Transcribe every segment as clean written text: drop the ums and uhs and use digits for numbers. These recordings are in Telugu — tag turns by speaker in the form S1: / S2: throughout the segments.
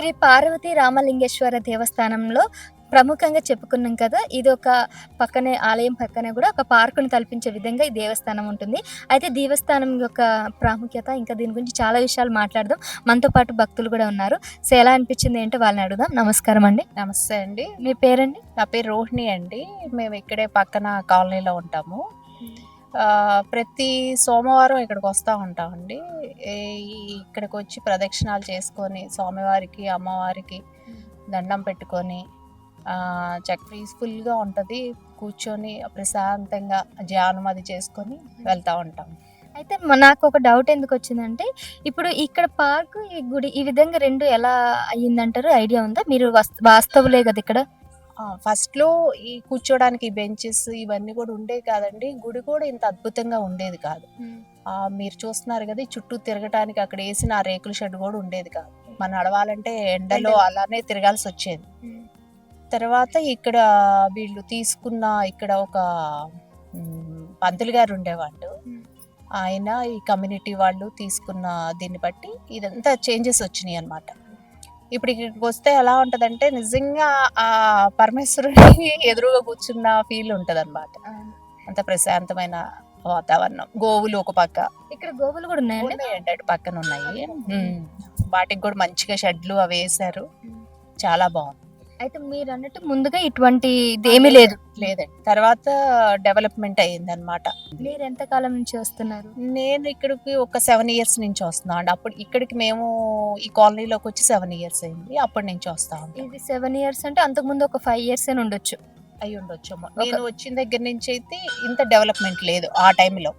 S1: శ్రీ పార్వతీ రామలింగేశ్వర దేవస్థానంలో ప్రముఖంగా చెప్పుకున్నాం కదా! ఇదొక పక్కనే ఆలయం పక్కనే గూడా ఒక పార్కుని తలపించే విధంగా ఈ దేవస్థానం ఉంటుంది. అయితే దేవస్థానం యొక్క ప్రాముఖ్యత ఇంకా దీని గురించి చాలా విషయాలు మాట్లాడదాం. మనతో పాటు భక్తులు గూడా ఉన్నారు. సో, ఎలా అనిపించింది ఏంటో వాళ్ళని అడుగుదాం. నమస్కారం అండి.
S2: నమస్తే అండి.
S1: మీ పేరండి?
S2: నా పేరు రోహిణి అండి. మేము ఇక్కడే పక్కన కాలనీలో ఉంటాము. ప్రతి సోమవారం ఇక్కడికి వస్తూ ఉంటామండి. ఈ ఇక్కడికి వచ్చి ప్రదక్షిణాలు చేసుకొని స్వామివారికి, అమ్మవారికి దండం పెట్టుకొని పీస్ఫుల్గా ఉంటుంది. కూర్చొని ప్రశాంతంగా ధ్యానం అది చేసుకొని వెళ్తూ ఉంటాం.
S1: అయితే నాకు ఒక డౌట్ ఎందుకొచ్చిందంటే, ఇప్పుడు ఇక్కడ పార్కు, ఈ గుడి ఈ విధంగా 2 ఎలా అయ్యిందంటారు? ఐడియా ఉందా? మీరు వాస్తవులే గదా ఇక్కడ?
S2: ఫస్ట్‌లో ఈ కూర్చోడానికి బెంచెస్ ఇవన్నీ కూడా ఉండేవి కాదండి. గుడి కూడా ఇంత అద్భుతంగా ఉండేది కాదు. మీరు చూస్తున్నారు కదా! ఈ చుట్టూ తిరగటానికి అక్కడ వేసిన ఆ రేకుల షెడ్ కూడా ఉండేది కాదు. మనం నడవాలంటే ఎండలో అలానే తిరగాల్సి వచ్చేది. తర్వాత ఇక్కడ వీళ్ళు తీసుకున్న ఇక్కడ ఒక పంతులు గారు ఉండేవాళ్ళు. ఆయన ఈ కమ్యూనిటీ వాళ్ళు తీసుకున్న దీన్ని బట్టి ఇదంతా చేంజెస్ వచ్చినాయి అన్నమాట. ఇప్పుడు ఇక్కడికి వస్తే ఎలా ఉంటదంటే నిజంగా ఆ పరమేశ్వరుడికి ఎదురుగా కూర్చున్న ఫీల్ ఉంటదన్నమాట. అంత ప్రశాంతమైన వాతావరణం. గోవులు ఒక పక్క,
S1: ఇక్కడ గోవులు కూడా ఉన్నాయండి?
S2: ఉన్నాయండి, అటు పక్కన ఉన్నాయి. వాటికి కూడా మంచిగా షెడ్లు అవి వేశారు. చాలా బాగుంది.
S1: అయితే మీరు అన్నట్టు ముందుగా ఇటువంటి ఏమీ లేదు?
S2: లేదండి, తర్వాత డెవలప్మెంట్ అయ్యింది అనమాట.
S1: మీరు ఎంత కాలం నుంచి వస్తున్నారు?
S2: నేను ఇక్కడికి ఒక 7 years నుంచి వస్తున్నాను అండి. అప్పుడు ఇక్కడికి మేము ఈ కాలనీలోకి వచ్చి 7 years అయింది. అప్పటి నుంచి వస్తా ఉంటాం.
S1: ఇది 7 years అంటే అంతకుముందు ఒక 5 years అని ఉండొచ్చు.
S2: అయి ఉండొచ్చు. నేను వచ్చిన దగ్గర నుంచి అయితే ఇంత డెవలప్మెంట్ లేదు ఆ టైంలో.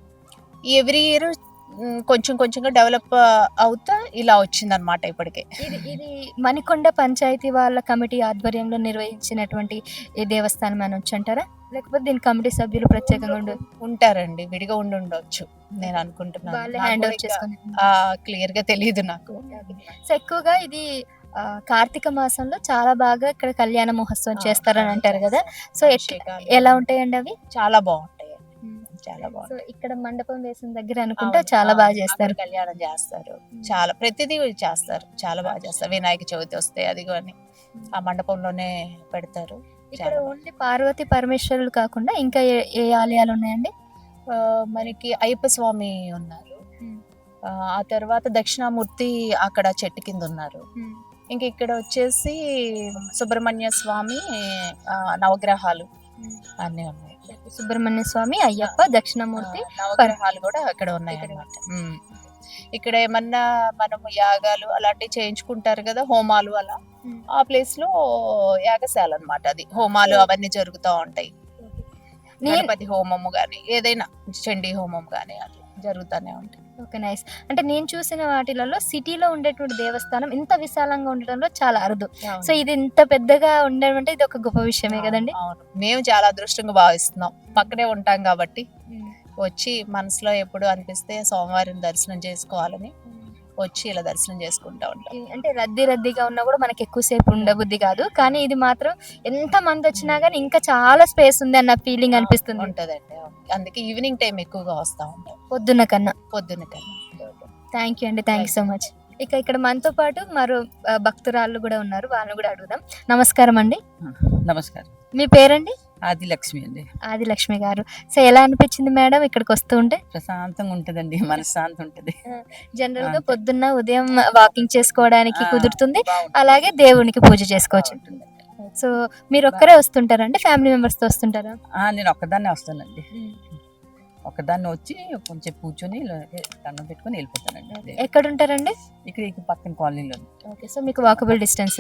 S2: ఎవ్రీ ఇయర్ కొంచెం కొంచెంగా డెవలప్ అవుతా ఇలా వచ్చిందనమాట ఇప్పటికే.
S1: ఇది మణికొండ పంచాయతీ వాళ్ళ కమిటీ ఆధ్వర్యంలో నిర్వహించినటువంటి ఈ దేవస్థానం అని వచ్చంటారా, లేకపోతే దీని కమిటీ సభ్యులు ప్రత్యేకంగా
S2: ఉంటారండి? విడిగా ఉండొచ్చు నేను అనుకుంటున్నాను.
S1: హ్యాండ్ ఓవర్ చేసుకుని
S2: క్లియర్ గా తెలియదు నాకు.
S1: సో ఎక్కువగా ఇది కార్తీక మాసంలో చాలా బాగా ఇక్కడ కళ్యాణ మహోత్సవం చేస్తారని అంటారు కదా. సో ఎలా ఉంటాయండి అవి?
S2: చాలా బాగుంటాయి, చాలా బాగుంది.
S1: సో ఇక్కడ మండపం వేసిన దగ్గర అనుకుంటా చాలా బాగా చేస్తారు,
S2: కళ్యాణం చేస్తారు. చాలా ప్రతిదీ చేస్తారు, చాలా బాగా చేస్తారు. వినాయక చవితి వస్తే అది కానీ ఆ మండపంలోనే పెడతారు.
S1: ఇక్కడ ఓన్లీ పార్వతి పరమేశ్వరులు కాకుండా ఇంకా ఏ ఆలయాలు ఉన్నాయండి?
S2: మనకి అయ్యప్ప స్వామి ఉన్నారు. ఆ తర్వాత దక్షిణామూర్తి అక్కడ చెట్టు కింద ఉన్నారు. ఇంక ఇక్కడ వచ్చేసి సుబ్రహ్మణ్య స్వామి, నవగ్రహాలు అన్నీ ఉన్నాయి.
S1: సుబ్రహ్మణ్య స్వామి, అయ్యప్ప, దక్షిణమూర్తి,
S2: నవగ్రహాలు కూడా అక్కడ ఉన్నాయి అన్నమాట. ఇక్కడ ఏమన్నా మనము యాగాలు అలాంటివి చేయించుకుంటారు కదా, హోమాలు అలా, ఆ ప్లేస్ లో యాగశాల అన్నమాట. అది హోమాలు అవన్నీ జరుగుతూ ఉంటాయి. గణపతి హోమము గాని ఏదైనా చండీ హోమం గాని అట్లా జరుగుతూనే ఉంటాయి.
S1: Okay, nice. అంటే నేను చూసిన వాటిలలో సిటీలో ఉండేటువంటి దేవస్థానం ఇంత విశాలంగా ఉండటంలో చాలా అరుదు. సో ఇది ఇంత పెద్దగా ఉండడం అంటే ఇది ఒక గొప్ప విషయమే కదండి.
S2: అవును, మేము చాలా అదృష్టంగా భావిస్తున్నాం. పక్కనే ఉంటాం కాబట్టి వచ్చి మనసులో ఎప్పుడు అనిపిస్తే సోమవారం దర్శనం చేసుకోవాలని వచ్చి ఇలా దర్శనం చేసుకుంటా ఉంటాం.
S1: అంటే రద్దీగా ఉన్నా కూడా మనకి ఎక్కువసేపు ఉండబుద్ధి కాదు, కానీ ఇది మాత్రం ఎంత మంది వచ్చినా కానీ ఇంకా చాలా స్పేస్ ఉంది అన్న ఫీలింగ్ అనిపిస్తుంది.
S2: ఉంటదండి, అందుకే ఈవినింగ్ టైం ఎక్కువగా వస్తా ఉంటాం,
S1: పొద్దున్న కన్నా.
S2: థ్యాంక్
S1: యూ అండి, థ్యాంక్ యూ సో మచ్. ఇక్కడ మనతో పాటు మరో భక్తురాళ్ళు కూడా ఉన్నారు, వాళ్ళని కూడా అడుగుదాం. నమస్కారం అండి.
S3: నమస్కారం.
S1: మీ పేరండి?
S3: ఆదిలక్ష్మి అండి.
S1: ఆదిలక్ష్మి గారు. సో ఎలా అనిపించింది మేడం ఇక్కడికి వస్తూ ఉంటే?
S3: ప్రశాంతంగా ఉంటదండి, మనశ్శాంతి ఉంటది.
S1: జనరల్ గా పొద్దున్న ఉదయం వాకింగ్ చేసుకోవడానికి కుదురుతుంది, అలాగే దేవునికి పూజ చేసుకోవచ్చు. సో మీరు ఒక్కరే వస్తుంటారండి, ఫ్యామిలీ మెంబర్స్ తో వస్తుంటారా?
S3: నేను ఒక్కదాన్నే వస్తానండి. ఒక్కదాన్ని వచ్చి కొంచెం కూర్చొని దండం పెట్టుకొని వెళ్ళిపోతానండి.
S1: ఎక్కడ ఉంటారండి?
S3: ఇక్కడ పక్కన కాలనీలో.
S1: ఓకే, సో మీకు వాకబుల్ డిస్టెన్స్.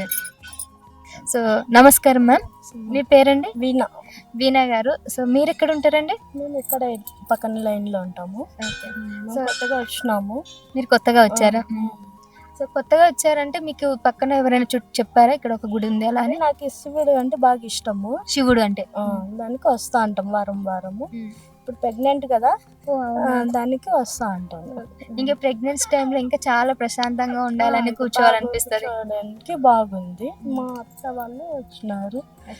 S1: సో నమస్కారం మ్యామ్, మీ పేరండి? వీణా గారు. సో మీరు ఎక్కడ ఉంటారండి?
S4: మేము ఇక్కడ పక్కన లైన్ లో ఉంటాము. సో కొత్తగా వచ్చినాము.
S1: మీరు కొత్తగా వచ్చారా? సో కొత్తగా వచ్చారంటే మీకు పక్కన ఎవరైనా చుట్టూ చెప్పారా ఇక్కడ ఒక గుడి ఉంది అలా అని?
S4: నాకు శివుడు అంటే బాగా ఇష్టము.
S1: శివుడు అంటే
S4: దానికి వస్తా అంటాం వారము. ఇప్పుడు ప్రెగ్నెంట్ కదా, దానికి వస్తా అంటాను.
S1: ఇంకా ప్రెగ్నెన్సీ టైంలో ఇంకా చాలా ప్రశాంతంగా ఉండాలని కూర్చోవాలనిపిస్తుంది.
S4: చూడడానికి బాగుంది. మా అత్త వాళ్ళు వచ్చినారు.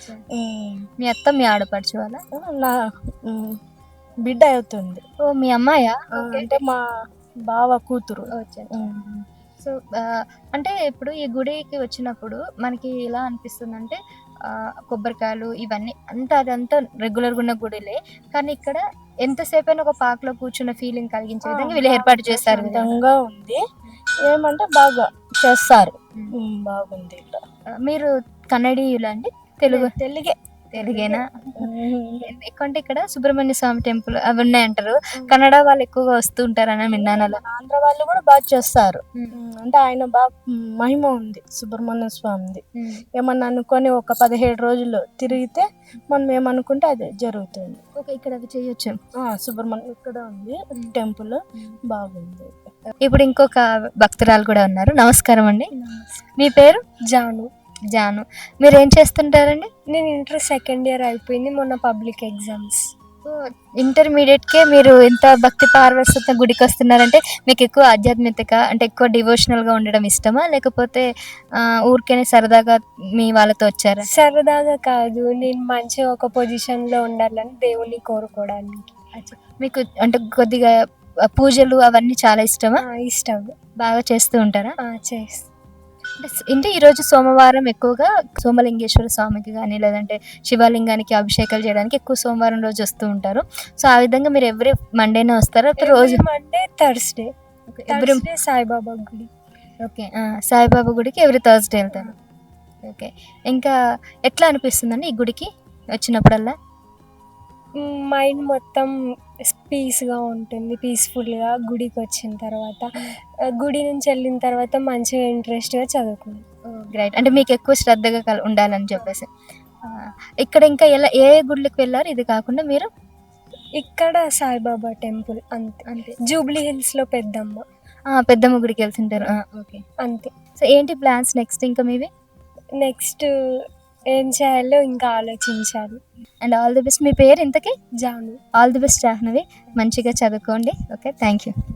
S1: మీ అత్త మీ ఆడపడుచు వాళ్ళ?
S4: నా బిడ్డ అవుతుంది.
S1: ఓ మీ అమ్మాయా?
S4: అంటే మా బావ కూతురు.
S1: సో అంటే ఇప్పుడు ఈ గుడికి వచ్చినప్పుడు మనకి ఎలా అనిపిస్తుందంటే కొబ్బరికాయలు ఇవన్నీ అదంతా రెగ్యులర్గా ఉన్న గుడిలే, కానీ ఇక్కడ ఎంతసేపు అయినా ఒక పార్క్ లో కూర్చున్న ఫీలింగ్ కలిగించే విధంగా వీళ్ళు ఏర్పాటు చేస్తారు కదా.
S4: విధంగా ఉంది. ఏమంటే బాగా చేస్తారు. బాగుంది ఇక్కడ.
S1: మీరు కన్నడీయులా అండి?
S4: తెలుగే.
S1: తెలుగేనా? ఎక్కువ అంటే ఇక్కడ సుబ్రహ్మణ్య స్వామి టెంపుల్ అవి ఉన్నాయంటారు, కన్నడ వాళ్ళు ఎక్కువగా వస్తూ ఉంటారని విన్నాను. అలా
S4: ఆంధ్ర వాళ్ళు కూడా బాగా చేస్తారు. అంటే ఆయన బాగా మహిమ ఉంది సుబ్రహ్మణ్య స్వామిది. ఏమన్నా అనుకొని ఒక 17 రోజులు తిరిగితే మనం ఏమనుకుంటే అది జరుగుతుంది.
S1: ఓకే, ఇక్కడ అవి చేయొచ్చు.
S4: సుబ్రహ్మణ్యం ఇక్కడ ఉంది టెంపుల్, బాగుంది.
S1: ఇప్పుడు ఇంకొక భక్తురాలు కూడా ఉన్నారు. నమస్కారం అండి, మీ పేరు?
S4: జాను.
S1: జాను, మీరు ఏం చేస్తుంటారండి?
S4: నేను ఇంటర్ సెకండ్ ఇయర్ అయిపోయింది మొన్న, పబ్లిక్ ఎగ్జామ్స్.
S1: ఇంటర్మీడియట్కే మీరు ఎంత భక్తి పార్వశత గుడికి వస్తున్నారంటే మీకు ఎక్కువ ఆధ్యాత్మికత అంటే ఎక్కువ డివోషనల్గా ఉండడం ఇష్టమా, లేకపోతే ఊరికేనే సరదాగా మీ వాళ్ళతో వచ్చారా?
S4: సరదాగా కాదు, నేను మంచిగా ఒక పొజిషన్లో ఉండాలని దేవుని కోరుకోవడానికి.
S1: మీకు అంటే కొద్దిగా పూజలు అవన్నీ చాలా ఇష్టమా?
S4: ఇష్టం.
S1: బాగా చేస్తూ ఉంటారా?
S4: చేస్తా.
S1: అంటే ఈరోజు సోమవారం ఎక్కువగా సోమలింగేశ్వర స్వామికి కానీ లేదంటే శివలింగానికి అభిషేకాలు చేయడానికి ఎక్కువ సోమవారం రోజు వస్తూ ఉంటారు. సో ఆ విధంగా మీరు ఎవ్రీ మండేనే వస్తారా? రోజు
S4: మండే, థర్స్డే సాయిబాబా గుడి.
S1: ఓకే, సాయిబాబా గుడికి ఎవ్రీ థర్స్డే వెళ్తారు. ఓకే, ఇంకా ఎట్లా అనిపిస్తుందండి ఈ గుడికి వచ్చినప్పుడల్లా?
S4: మైండ్ మొత్తం పీస్గా ఉంటుంది, పీస్ఫుల్గా. గుడికి వచ్చిన తర్వాత, గుడి నుంచి వెళ్ళిన తర్వాత మంచిగా ఇంట్రెస్ట్గా చదువుకుంటాం.
S1: గ్రేట్, అంటే మీకు ఎక్కువ శ్రద్ధగా ఉండాలని చెప్పేసి. ఇక్కడ ఇంకా ఏ గుడికి వెళ్ళారు ఇది కాకుండా మీరు?
S4: ఇక్కడ సాయిబాబా టెంపుల్ అంతే. జూబ్లీ హిల్స్లో
S1: పెద్దమ్మ గుడికి వెళ్తుంటారు. ఓకే,
S4: అంతే.
S1: సో ఏంటి ప్లాన్స్ నెక్స్ట్ ఇంకా మీవి?
S4: నెక్స్ట్ ఏం చేయాలో ఇంకా ఆలోచించాలి.
S1: And all the best. మీ పేరు ఇంతకీ?
S4: Janu.
S1: All the best Jahnavi, మంచిగా చదువుకోండి. Okay, thank you.